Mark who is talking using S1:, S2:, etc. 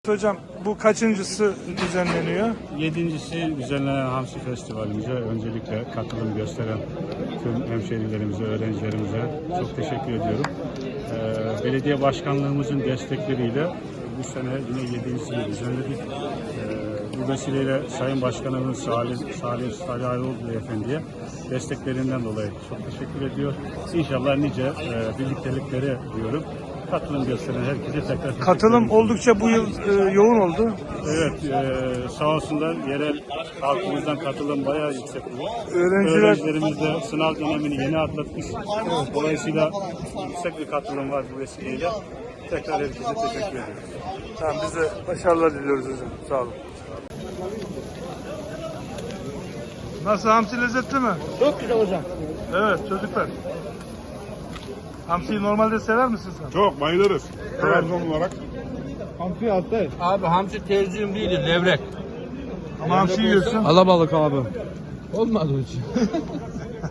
S1: Hocam bu kaçıncısı düzenleniyor?
S2: Yedincisi düzenlenen Hamsi Festivalimize öncelikle katılım gösteren tüm hemşehrilerimize, öğrencilerimize çok teşekkür ediyorum. Belediye başkanlığımızın destekleriyle bu sene yine yedincisiyi düzenledik. Bu vesileyle Sayın Başkanımız Salih Ayvalık Beyefendi'ye desteklerinden dolayı çok teşekkür ediyor. İnşallah nice birliktelikleri diyorum. Katılım gösteren herkese tekrar teşekkür ederim.
S1: Katılım oldukça bu yıl yoğun oldu.
S2: Evet, sağ olsunlar yerel halkımızdan katılım bayağı yüksek.
S1: Öğrencilerimiz
S2: de sınav dönemini yeni atlatmış. Dolayısıyla yüksek bir katılım var bu vesileyle. Tekrar herkese teşekkür ederim.
S1: Tamam, biz de başarılar diliyoruz hocam. Sağ olun. Nasıl, hamsi lezzetli mi?
S3: Çok güzel hocam.
S1: Evet çocuklar. Hamsiyi normalde sever misin sen?
S4: Çok bayılırız. Trabzon olarak.
S3: Hamsi altta. Abi hamsi tercihim değil, levrek.
S1: Ama hamsi yiyorsun.
S3: Alabalık abi. Olmadı hocam.